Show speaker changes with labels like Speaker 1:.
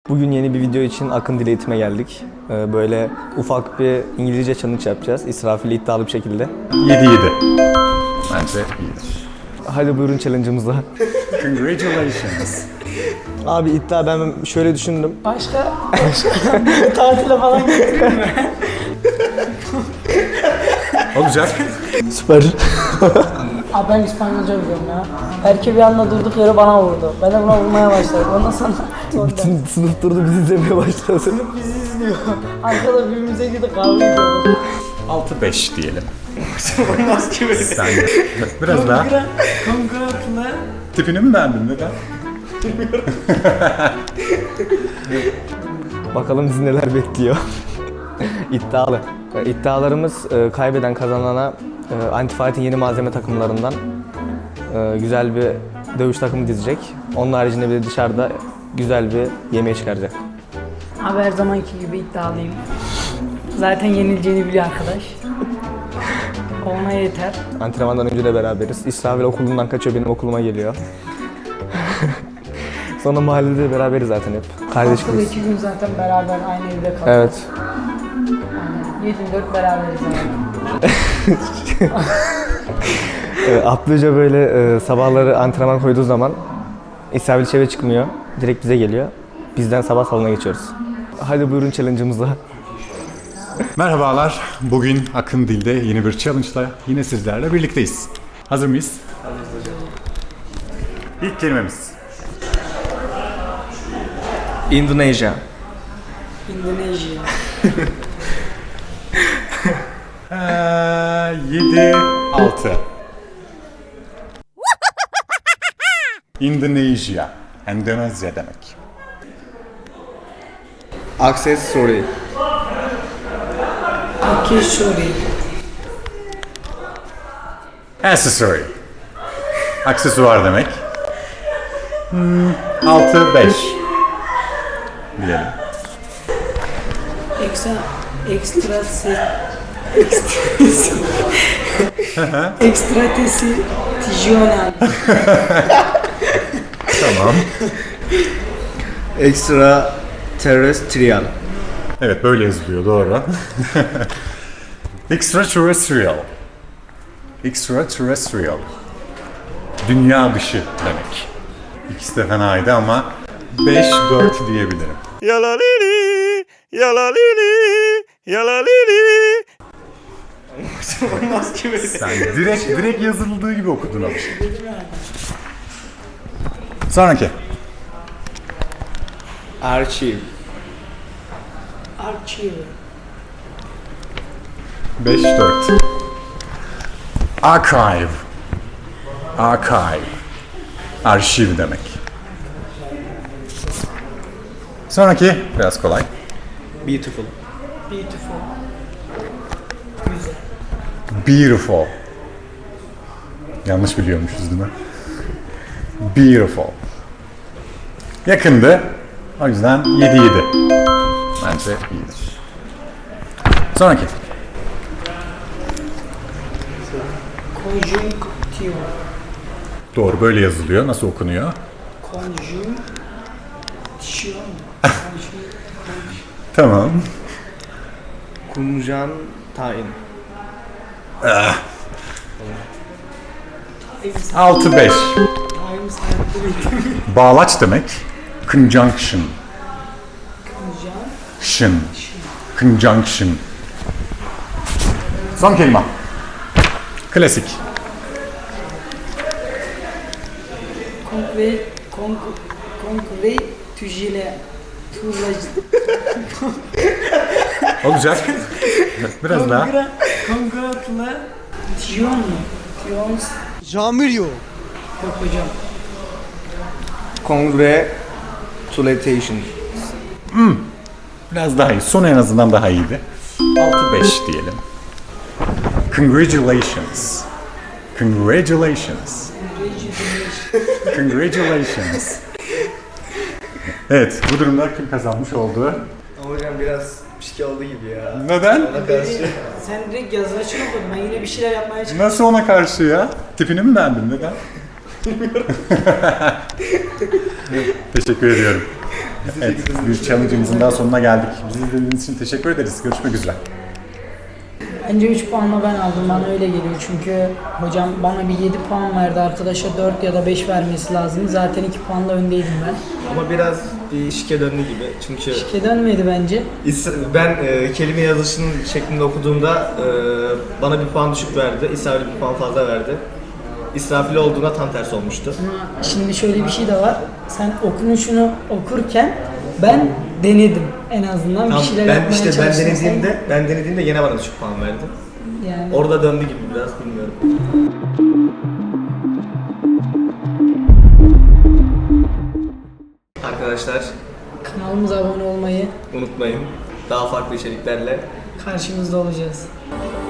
Speaker 1: Bugün yeni bir video için Akın Dil Eğitim'e geldik. Böyle ufak bir İngilizce challenge yapacağız. İsrafil iddialı bir şekilde.
Speaker 2: 7-7. Bence iyidir.
Speaker 1: Hadi buyurun challenge'ımıza.
Speaker 2: Congratulations.
Speaker 1: Abi iddia ben şöyle düşündüm.
Speaker 3: Başka tatile falan götüreyim mi?
Speaker 2: Olacak.
Speaker 1: Süper.
Speaker 3: Abi ben İspanyolca biliyorum ya. Erke bir anda durduk yere bana vurdu. Ben de buna vurmaya başladım. Ondan sonra
Speaker 1: Bütün sınıf durdu bizi izlemeye başladı.
Speaker 3: bizi izliyor. Arkada birbirimize gidip kavga ediyorduk.
Speaker 2: 6-5 diyelim.
Speaker 1: Olmaz ki böyle.
Speaker 2: Sen biraz daha.
Speaker 3: Kongratla.
Speaker 2: Tipini mi beğendin? Neden?
Speaker 1: Bakalım bizi neler bekliyor. İddialı. İddialarımız kaybeden kazanana Antifighting yeni malzeme takımlarından güzel bir dövüş takımı dizecek. Onun haricinde bir de dışarıda güzel bir yemeğe çıkaracak.
Speaker 3: Abi her zamanki gibi iddialıyım. Zaten yenileceğini biliyor arkadaş. Ona yeter.
Speaker 1: Antrenmandan önce de beraberiz. İsrafil okulundan kaçıyor, benim okuluma geliyor. Sonra mahallede beraberiz zaten hep. Kardeş
Speaker 3: Haftada
Speaker 1: gibiyiz.
Speaker 3: 2 gün zaten beraber aynı evde kaldık.
Speaker 1: Evet.
Speaker 3: 7-4 beraberiz yani.
Speaker 1: Atlıca böyle sabahları antrenman koyduğu zaman İsrafil hiç eve çıkmıyor. Direkt bize geliyor. Bizden sabah salona geçiyoruz. Hadi buyurun challenge'ımıza.
Speaker 2: Merhabalar. Bugün Akın Dil'de yeni bir challenge'la yine sizlerle birlikteyiz. Hazır mıyız? Hazırız hocam. İlk kelimemiz.
Speaker 1: Indonesia.
Speaker 3: Endonezya.
Speaker 2: 7-6. Endonezya. Endonezya demek.
Speaker 1: Accessory.
Speaker 3: Akişori.
Speaker 2: Accessory. Aksesuar demek. 6-5 diyelim.
Speaker 3: Ekstratesiyonel.
Speaker 2: Tamam.
Speaker 1: Extra terrestrial.
Speaker 2: Evet, böyle yazılıyor, doğru. Extraterrestrial. Extraterrestrial. Dünya dışı demek. İkisi de fenaydı ama 5-4 diyebilirim.
Speaker 4: Yalalili, yalalili, yalalili.
Speaker 1: Olmaz ki böyle.
Speaker 2: Sen direkt yazıldığı gibi okudun abi. Sonraki.
Speaker 1: Archive.
Speaker 3: Archive.
Speaker 2: 5-4. Archive. Archive. Arşiv demek. Sonraki biraz kolay.
Speaker 1: Beautiful.
Speaker 3: Beautiful.
Speaker 2: Beautiful. Yanlış biliyormuşuz değil mi? Beautiful. Yakındı. O yüzden 7-7. Bence iyidir. Sonraki.
Speaker 3: Konjünktiyon.
Speaker 2: Doğru, böyle yazılıyor. Nasıl okunuyor?
Speaker 3: Konjünktiyon.
Speaker 2: Tamam.
Speaker 1: Kunjan tayin.
Speaker 2: 6-5. Bağlaç demek. Conjunction. Shin. Conjunction. Son kelime. Klasik.
Speaker 3: Konkve tüjile.
Speaker 2: Olacak. Biraz daha.
Speaker 3: Kongratla. Tiyon mu? Tiyon.
Speaker 5: Jamir yok.
Speaker 3: Yok hocam.
Speaker 1: Congratulations.
Speaker 2: Biraz daha iyi. Son en azından daha iyiydi. 6-5 diyelim. Congratulations. Congratulations. Congratulations. Evet, bu durumda kim kazanmış oldu?
Speaker 1: Hocam biraz pişki oldu gibi ya.
Speaker 2: Neden?
Speaker 3: Sen direkt yazılışını okudun. Ben yine bir şeyler yapmaya çalıştım.
Speaker 2: Nasıl ona karşı ya? Tipini mi beğendin? Neden? Teşekkür ediyorum. Evet, bir challenge'ımızın daha sonuna geldik. Bizi izlediğiniz için teşekkür ederiz. Görüşmek üzere.
Speaker 3: Bence 3 puanla ben aldım. Bana öyle geliyor. Çünkü hocam bana bir 7 puan verdi. Arkadaşa 4 ya da 5 vermesi lazım. Zaten 2 puanla öndeydim ben.
Speaker 5: Ama biraz bir şike döndü gibi. Çünkü
Speaker 3: Şike dönmedi bence.
Speaker 5: ben kelime yazışının şeklinde okuduğumda bana bir puan düşük verdi. İsrafil bir puan fazla verdi. İsrafil olduğunda tam tersi olmuştu.
Speaker 3: Ama şimdi şöyle bir şey de var. Sen okunuşunu okurken ben denedim en azından.
Speaker 5: Tam,
Speaker 3: bir şeyler
Speaker 5: ben
Speaker 3: yapmaya
Speaker 5: işte
Speaker 3: çalıştım.
Speaker 5: ben denediğimde yine bana düşük puan verdi.
Speaker 3: Yani
Speaker 5: Orada döndü gibi biraz bilmiyorum. Arkadaşlar
Speaker 3: kanalımıza abone olmayı,
Speaker 5: unutmayın. Daha farklı içeriklerle
Speaker 3: karşınızda olacağız.